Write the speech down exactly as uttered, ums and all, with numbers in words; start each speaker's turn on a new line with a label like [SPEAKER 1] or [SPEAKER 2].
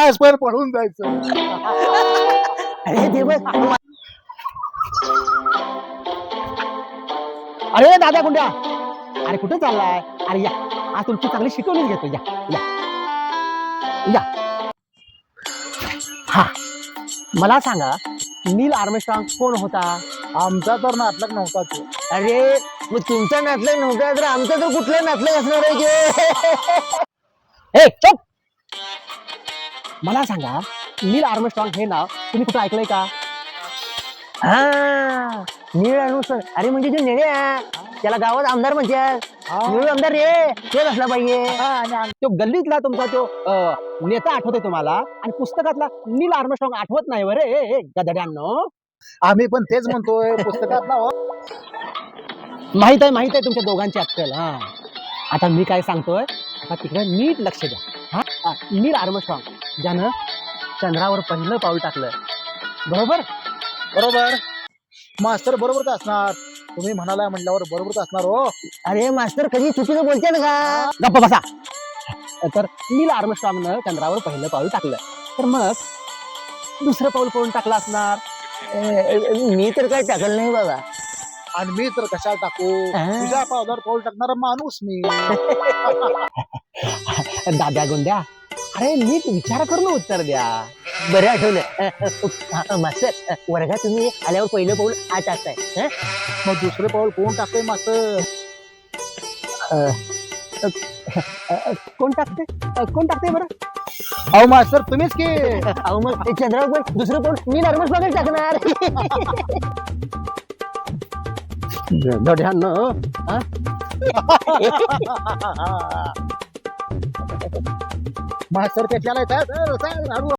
[SPEAKER 1] तास पण पळून जायचं.
[SPEAKER 2] अरे देव, अरे दादा गुंड्या, अरे कुठे चाललाय? अरे या, आज तुमची चांगली शिकवणीच घेतो. या या या. हा, मला सांगा, नील आर्मस्ट्रॉंग कोण होता?
[SPEAKER 1] आमचा तर नाटक नव्हता तो.
[SPEAKER 2] अरे मग तुमचा नातलग नव्हता तर आमचा तर कुठलं नातलग असणार आहे की? ए चुप. मला सांगा, नील आर्मस्ट्रॉंग हे नाव तुम्ही कुठं ऐकलंय का? हा, नील आर्मस्ट्रॉंग. अरे म्हणजे जे नेणे आहे त्याला गावात आमदार म्हणतात. नील आमदार रे, तेच असला पाहिजे. तो गल्लीतला तुमचा तो अं, नेता आठवतोय तुम्हाला, आणि पुस्तकातला नील आर्मस्ट्रॉंग आठवत नाही बरे गधड्यांनो.
[SPEAKER 1] आम्ही पण तेच म्हणतोय पुस्तकात ना.
[SPEAKER 2] माहित आहे माहित आहे तुमच्या दोघांची अक्कल. हा, आता मी काय सांगतोय, आता तिकडे नीट लक्ष द्या. हा, हा, नील आर्मस्ट्रॉंग ज्यानं चंद्रावर पहिलं पाऊल टाकलं, बरोबर?
[SPEAKER 1] बरोबर मास्तर, बरोबर असणार. तुम्ही म्हणालाय म्हटल्यावर बरोबर असणार. हो,
[SPEAKER 2] अरे मास्तर कधी चुकीचं बोलते का? गप्पा बसा. तर नील आर्मस्ट्रॉंगनं चंद्रावर पहिलं पाऊल टाकलं, तर मग दुसरं पाऊल कोण टाकलं असणार? मी तर काय टाकलं नाही बाबा.
[SPEAKER 1] आणि मी तर कशाला टाकू?
[SPEAKER 2] हा.
[SPEAKER 1] तुझ्या पावलावर पाऊल टाकणारा माणूस मी.
[SPEAKER 2] दाद्या गुंड्या, अरे नीट विचार करून उत्तर द्या. बरं आठवलं मास्तर, वर्गात तुम्ही आल्यावर पहिलं पाऊल आ टाकताय. हं?
[SPEAKER 1] मग दुसरं पाऊल कोण टाकतोय मास्तर?
[SPEAKER 2] कोण टाकते कोण टाकते बरं?
[SPEAKER 1] अहो मास्तर तुम्हीच की.
[SPEAKER 2] अहो मग ते चंद्रावर पण दुसरं पाऊल मी नर्मस बघत टाकणार. दड्यानं, हं?
[SPEAKER 1] मास्तर त्याच्याला येतात.